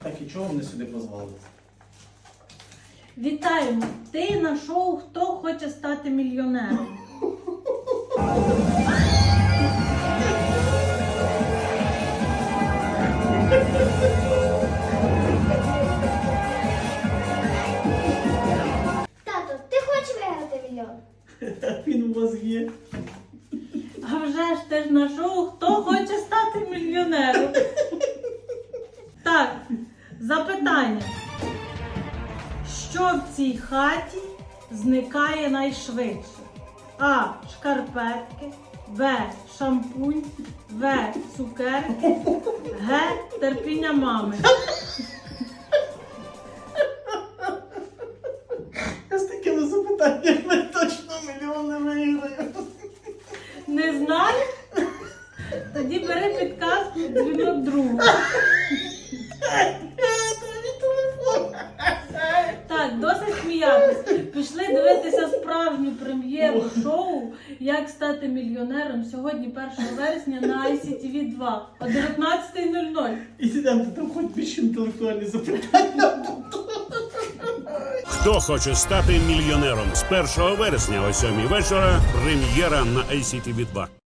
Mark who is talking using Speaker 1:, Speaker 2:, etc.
Speaker 1: Так і чого мене сюди позвали?
Speaker 2: Вітаємо! Ти на шоу «Хто хоче стати мільйонером».
Speaker 3: Тато, ти хочеш виграти мільйон?
Speaker 1: Він у вас є.
Speaker 2: А вже ж ти ж на шоу «Хто хоче стати мільйонером». Так, запитання. Що в цій хаті зникає найшвидше? А. Шкарпетки, Б. Шампунь, В. Цукерки, Г. Терпіння мами.
Speaker 1: Я з такими запитаннями точно мільйон не виграю.
Speaker 2: Не знаєш? Тоді бери підказку і дзвінок другу. Так, досить сміятися. Пішли дивитися справжню прем'єру шоу «Як стати мільйонером» сьогодні 1 вересня на ICTV 2 о 19:00.
Speaker 1: І там хоч більш інтелектуальні запитання.
Speaker 4: Хто хоче стати мільйонером? З 1 вересня о 7 вечора прем'єра на ICTV 2.